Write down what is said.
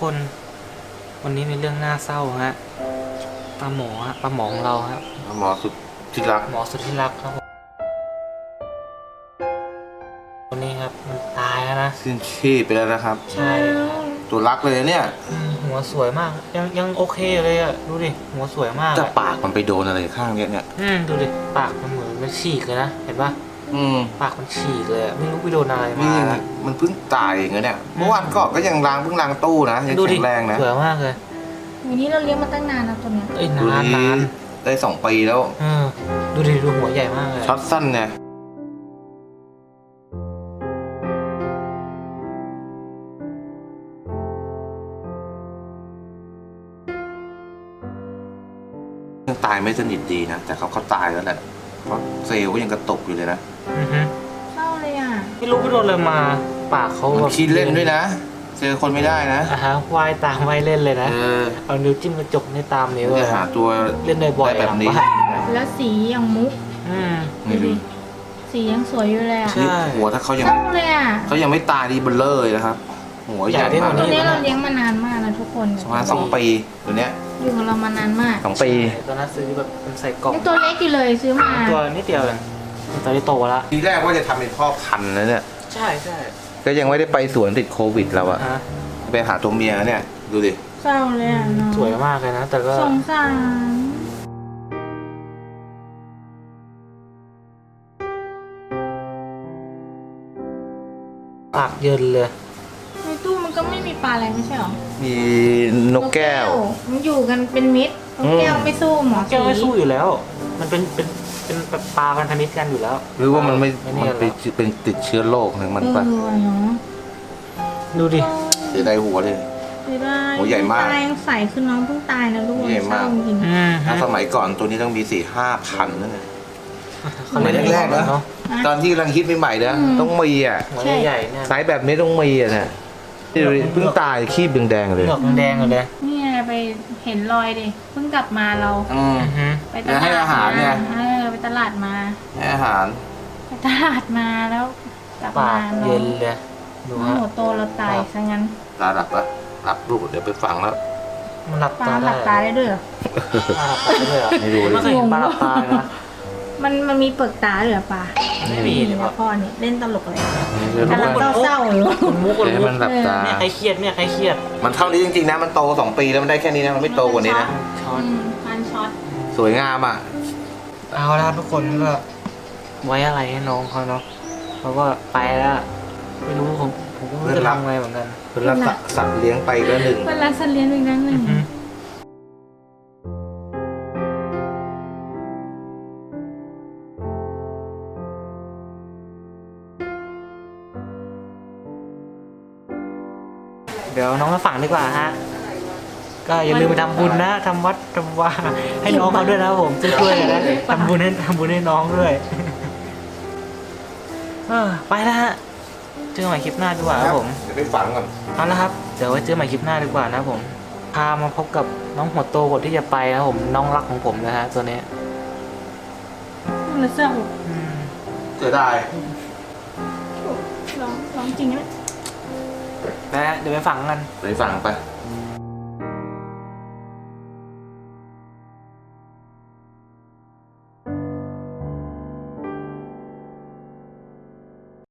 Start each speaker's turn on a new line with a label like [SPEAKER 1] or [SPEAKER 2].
[SPEAKER 1] คนวันนี้มีเรื่องน่าเศร้าฮะปลาหมอฮะปลาหมอของเราครับ
[SPEAKER 2] หมอสุดที่รัก
[SPEAKER 1] หมอสุดที่รักครับวันนี้ครับมันตายแล้วนะ
[SPEAKER 2] สิ้นชีพไปแล้วนะครับ
[SPEAKER 1] ใช่ครับ
[SPEAKER 2] ตัวรักเลยเนี่ย
[SPEAKER 1] หัวสวยมากยังโอเคเลยอ่ะดูดิหัวสวยมาก
[SPEAKER 2] จะ
[SPEAKER 1] อะ
[SPEAKER 2] ปากมันไปโดนอะไรข้างเนี่ย
[SPEAKER 1] ดูดิปากมันเหมือนมันฉีกเลยนะเห็นปะ ปากมันฉีกเลยอะไม่รู้ไปโดนอะไรมา
[SPEAKER 2] นี่มันเพิ่งตายเองเนี่ยเมื่อวานก่อนก็ยังเพิ่งล้างตู้นะยัง
[SPEAKER 1] ดูดิ
[SPEAKER 2] แข็งแรงนะ
[SPEAKER 1] สวยมากเลย
[SPEAKER 3] วันนี้เราเลี้ยงมาตั้งนานแล้วตัวเนี้ย
[SPEAKER 1] เอ้ย
[SPEAKER 2] ดู
[SPEAKER 1] นาน
[SPEAKER 2] ดิได้2 ปีแล้ว
[SPEAKER 1] ดูดิดูหัวใหญ่มากเลย
[SPEAKER 2] ช็อตสั้นเนี่ยยังตายไม่สนิทดีนะแต่เขาตายแล้วแหละเพราะเซลล์ก็ยังกระตกอยู่เลยนะ
[SPEAKER 3] เศร้าเลยอ่ะ
[SPEAKER 1] ไม่รู้ไปโดนอะไรมาปากเขา
[SPEAKER 2] มัน
[SPEAKER 1] แบบ
[SPEAKER 2] คิดเล่นด้วยนะเจอคนไม่ได้นะ
[SPEAKER 1] ว่ายตามว่ายเล่นเลยนะ
[SPEAKER 2] เออ
[SPEAKER 1] เอานิ้วจิ้มกระจกในตามนิ้ว
[SPEAKER 2] จะหาตัว
[SPEAKER 1] เล่นบ่อยๆ
[SPEAKER 2] แบบนี้
[SPEAKER 1] หลังบ้า
[SPEAKER 3] แล้วสีอย่างมุก
[SPEAKER 2] ไม่รู้
[SPEAKER 3] สียังสวยอยู่เลยอ่ะ
[SPEAKER 1] ใช่
[SPEAKER 2] หัวถ้าเขายัง
[SPEAKER 3] เศร้าเลยอ่ะ
[SPEAKER 2] ไม่ตายดีเบลเลอร์เลยนะครับ หัวใหญ่มาก
[SPEAKER 3] ตัวนี้เราเลี้ยงมานานมากนะทุกคน
[SPEAKER 2] ประมาณ2 ปีตัวเนี้ย
[SPEAKER 3] อยู่กับเรามานานมาก
[SPEAKER 2] 2 ปี
[SPEAKER 1] ตอนนั้นซื้อแบบเป็นใส่กล่อง
[SPEAKER 3] ยังตัวเล็กอยู่เลยซื้อมา
[SPEAKER 1] ตัวนิดเดียวเองตอนนี้โตแล้ว
[SPEAKER 2] ทีแรกว่าจะทำเป็นพ่อพันธุ์นะเนี่ย
[SPEAKER 1] ใช่ใช่
[SPEAKER 2] ก็ยังไม่ได้ไปสวนติดโควิดเราอะ
[SPEAKER 1] ฮะ
[SPEAKER 2] ไปหาตัวเมียเนี่ย ดูดิ
[SPEAKER 3] เศร้าเลยอ่ะเนาะ
[SPEAKER 1] สวยมากเลยนะ แต่ก็
[SPEAKER 3] สงสาร
[SPEAKER 1] ปากเยินเลย
[SPEAKER 3] ในตู้มันก็ไม่มีปลาอะไรไม่ใช่หรอ
[SPEAKER 2] มีนกแก้ว
[SPEAKER 3] มันอยู่กันเป็นมิตรนกแก้วไม่สู้หมอ
[SPEAKER 1] แก้วไม่สู้อยู่แล้ว มันเป็นแบบปลาพันธมิตรกันอยู่แล้ว
[SPEAKER 2] หรือว่ามันไม่
[SPEAKER 1] ไม่
[SPEAKER 2] มัน
[SPEAKER 1] เนี่ยหร
[SPEAKER 2] ไป
[SPEAKER 1] อ
[SPEAKER 2] เป็นติดเชื้อโรคหนึ่งมันปะ
[SPEAKER 3] เนาะ
[SPEAKER 1] ดูดิ
[SPEAKER 2] เสียดายหัวเลย
[SPEAKER 3] เสียดาย
[SPEAKER 2] โหใหญ่มาก
[SPEAKER 3] ตายังใสคือน้องเพิ่งตายนะลูก
[SPEAKER 2] ใหญ่มาก
[SPEAKER 3] เศร้จริง
[SPEAKER 2] ถ้าสมัยก่อนตัวนี้ต้องมี4-5 พันนั่นเลย
[SPEAKER 1] เขาเล่น
[SPEAKER 2] สมัยแรกๆนะ
[SPEAKER 1] เนาะ
[SPEAKER 2] ตอนที่กำลังฮิตใหม่ๆนะต้องมีอ่ะ
[SPEAKER 1] หัวใหญ่ๆเนี่ย
[SPEAKER 2] ไซส์แบบนี้ต้องมีอ่ะนะนี่ดูดิเพิ่งตายขี้แดงๆเลย
[SPEAKER 1] เหงือกแดงๆเลย
[SPEAKER 3] ๆนี่ไงไปเห็นรอยดิเพิ่งกลับมาเรา ไปตลาด
[SPEAKER 2] ให้อาหารเนี่ย
[SPEAKER 3] ไปตลาดมา
[SPEAKER 2] ให้อาหาร
[SPEAKER 3] ไปตลาดมาแล้วกลับ
[SPEAKER 1] ปาม
[SPEAKER 3] าก
[SPEAKER 1] เย็นเลย ดู
[SPEAKER 3] น้อง
[SPEAKER 1] ฮะ
[SPEAKER 3] หัวโตเราตายซะงั้น
[SPEAKER 2] ตาหลับปะหลับลูกเดี๋ยวไปฟังแล้ว
[SPEAKER 1] มันหลับ
[SPEAKER 3] ปลา
[SPEAKER 1] ตา
[SPEAKER 3] ห
[SPEAKER 1] ได้
[SPEAKER 3] ลับตาได้ด้วยเหรอ
[SPEAKER 1] ปลาหลับตาได้เลยเหรอ
[SPEAKER 2] ไม่รู้
[SPEAKER 1] ไม่เคยเห็นปลาหลับตาเลยนะ
[SPEAKER 3] มันมีเปลือกตาด้วยเหรอปลา
[SPEAKER 1] ไม่มีเลย
[SPEAKER 3] นะ
[SPEAKER 1] ครับ
[SPEAKER 3] พ่อนี่เล่นตลกเลย
[SPEAKER 2] เดี๋ยวรู้
[SPEAKER 3] กำลัง
[SPEAKER 2] ว่า
[SPEAKER 3] เศร้าๆอยู่
[SPEAKER 1] คนมุกคน
[SPEAKER 2] ให้
[SPEAKER 1] มุก
[SPEAKER 2] มันหลับตา
[SPEAKER 1] เนี่ยใครเครียดเนี่ยใครเครียด
[SPEAKER 2] มันเท่านี้จริงๆนะมันโต2 ปีแล้วมันได้แค่นี้นะมันไม่โตกว่านี้นะ
[SPEAKER 1] ช้อน
[SPEAKER 3] พันช็อต
[SPEAKER 2] สวยงามอ่ะ
[SPEAKER 1] เอาละทุกคนก็ไว้อะไรให้น้องเขาเนาะเพราะว่าไปแล้วไม่รู้ผมก็ไม่รู้จะทำไงเหมือนกัน
[SPEAKER 2] เป็นรักสัตว์เลี้ยงไปก็หนึ่ง
[SPEAKER 3] เวลาสัตว์เลี้ยงอีกนั่นหนึ่ง
[SPEAKER 1] เดี๋ยวน้องมาฝังดีกว่าฮะก็อย่าลืมไปทำบุญนะทำวัดทำวาให้น้องเขาด้วยนะครับผมช่วยๆกันนะทำบุญให้น้องด้วยไปแล้วฮะเจอกันใหม่คลิปหน้าดีกว่าครับผม
[SPEAKER 2] เดี๋ยวไปฝังก่อน
[SPEAKER 1] เอาละครับเดี๋ยวไว้เจอใหม่คลิปหน้าดีกว่านะครับผมพามาพบกับน้องหัวโตคนที่จะไปนะครับผมน้องรักของผมนะฮะตัวนี้
[SPEAKER 3] มันเศร้า
[SPEAKER 2] เสียดาย
[SPEAKER 3] ร้องจริงนะ
[SPEAKER 1] นะฮะเดี๋ยวไปฝังกัน
[SPEAKER 2] ไปฝังไป
[SPEAKER 1] ค